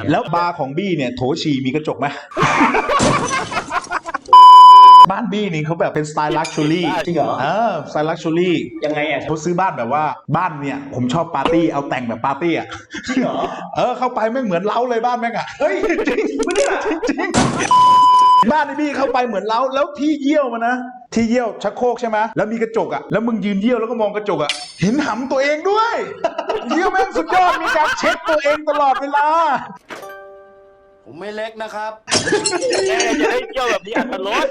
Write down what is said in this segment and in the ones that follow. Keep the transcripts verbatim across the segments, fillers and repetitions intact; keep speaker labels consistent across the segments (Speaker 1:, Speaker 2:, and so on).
Speaker 1: แล้วบาร์ของบี้เนี่ยโถฉี่มีกระจกไหม บ้านบี้นี่เขาแบบเป็นสไตล์ลักชัวรี่
Speaker 2: จริงเหรอ
Speaker 1: เออสไตล์ลักชัวรี่
Speaker 2: ยังไงอ่ะ
Speaker 1: เขาซื้อบ้านแบบว่าบ้านเนี่ยผมชอบปาร์ตี้เอาแต่งแบบปาร์ตี้อ่ะ
Speaker 2: จริงเหรอ
Speaker 1: เออเข้าไปไม่เหมือนเล้าเลยบ้านแม่งอ่ะ
Speaker 2: เฮ้ยจริงไม่ได้จริงจริง
Speaker 1: บ้านไอ้บี้เข้าไปเหมือนเล้าแล้วที่เยี่ยวมันนะที่เยี่ยวชักโครกใช่ไหมแล้วมีกระจกอ่ะแล้วมึงยืนเยี่ยวแล้วก็มองกระจกอ่ะเห็นหำตัวเองด้วย เยี่ยวแม่งสุดยอดมีการเช็คตัวเองตลอดเวลา
Speaker 3: ผมไม่เล็กนะครับ
Speaker 4: แม่จะได้เที่ยวแบบนี้อัตลด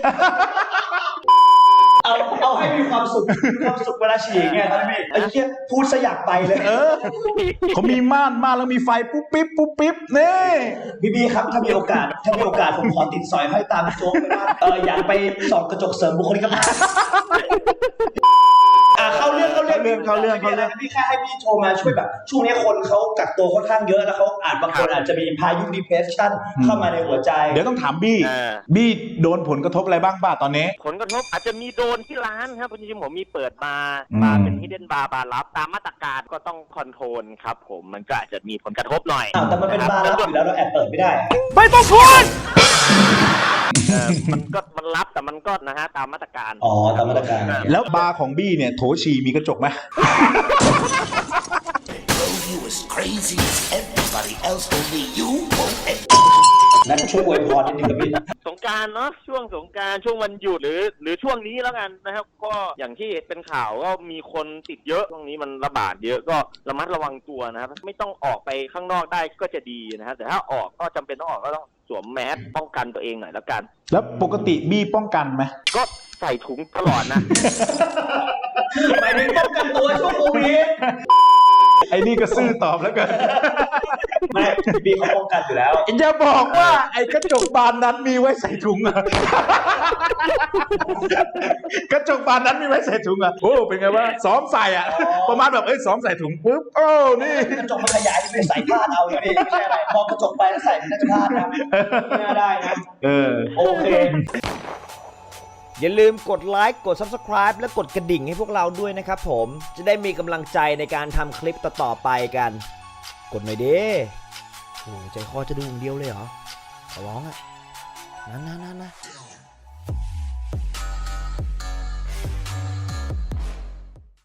Speaker 2: เอาเอาให้มีความสุขมีความสุขเวลาฉี่ไงตอนนี้ไอ้เหี้ยพูดซะอยากไปเลย
Speaker 1: เออเขามีม่านม่านแล้วมีไฟปุ๊บปิ๊บปุ๊บปิ๊บนี่
Speaker 2: พี่บีครับถ้ามีโอกาสถ้ามีโอกาสผมขอติดสอยห้อยตามโจ๊กไปบ้างเอออยากไปส่องกระจกเสริมบุคลิกภาพอ่ะเข้าเรื่องเข้าเรื่อง
Speaker 1: เรื่องเขาเรื่องเขาเรื่อง
Speaker 2: พี่แค่ให้พี่โทรมาช่วยแบบช่วงนี้คนเขากักตัวค่อนข้างเยอะแล้วเขาอาจบางคนอาจจะมีพายุ depression เข้ามาในหัวใจ
Speaker 1: เดี๋ยวต้องถามบี้บี้โดนผลกระทบอะไรบ้างป่ะตอนนี้
Speaker 4: ผลกระทบอาจจะมีโดนที่ร้านครับจริงๆผมมีเปิดบาร์
Speaker 1: อืม
Speaker 4: บาร์เป็นฮิดเด้นบาร์บาร์ลับตามมาตรการก็ต้องคอนโทรลครับผมมันก็อาจจะมีผลกระทบหน่อย
Speaker 2: อ้าวแต่มันเป็นบาร์รับอยู่แล้วเราแอบเปิดไม่ได้
Speaker 1: ไม่ต้องพูด
Speaker 4: เออมันก็มันรับแต่มันก็นะฮะตามมาตรการ
Speaker 2: อ๋อตามมาตรการ
Speaker 1: แล้วบาร์ของบี้เนี่ยโถฉี่มีกระจกไหม
Speaker 3: You as crazy as everybody else, only you won't.
Speaker 2: นั่นช่วยอวยพรนิดนึงครับพี่
Speaker 4: สงกรานต์เนาะช่วงสงกรานต์ช่วงวันหยุดหรือ หรือช่วงนี้แล้วกันนะครับก็อย่างที่เป็นข่าวก็มีคนติดเยอะช่วงนี้มันระบาดเยอะก็ระมัดระวังตัวนะครับไม่ต้องออกไปข้างนอกได้ก็จะดีนะฮะแต่ถ้าออกก็จำเป็นต้องออกก็ต้องสวมแมสป้องกันตัวเองหน่อยแล้วกัน
Speaker 1: แล้วปกติบี้ป้องกันไหม
Speaker 4: ก็ใส่ถุงตลอดนะ
Speaker 2: หมายถึงป้องกันตัวช่วงโควิด
Speaker 1: ไอ้นี่ก็ซื่อตอบแล้วกัน
Speaker 2: ไม่บีเขาป้องกันอยู่แล้ว
Speaker 1: อย่าบอกว่าไอ้กระจกบานนั้นมีไว้ใส่ถุงอะ กระจกบานนั้นมีไว้ใส่ถุงอะโอ้เป็นไงวะซ้อมใส่อะประมาณแบบเอ้ยซ้อมใส่ถุงปุ๊บโอ้นี่
Speaker 2: กระจกมันขยายไปใส่ผ้าเอาอย่างนี้ไม่ใช่อะไรมองกระจกไปแล้วใส่เป็นผ้านะไม่น่าได้นะ
Speaker 1: เออ
Speaker 2: โอเค
Speaker 5: อย่าลืมกดไลค์กด ซับสไครบ์ และกดกระดิ่งให้พวกเราด้วยนะครับผมจะได้มีกำลังใจในการทำคลิปต่อๆไปกัน กดหน่อยดิโอ้ใจคอจะดูอย่างเดียวเลยเหรอขอร้องอะนะนะนะนะ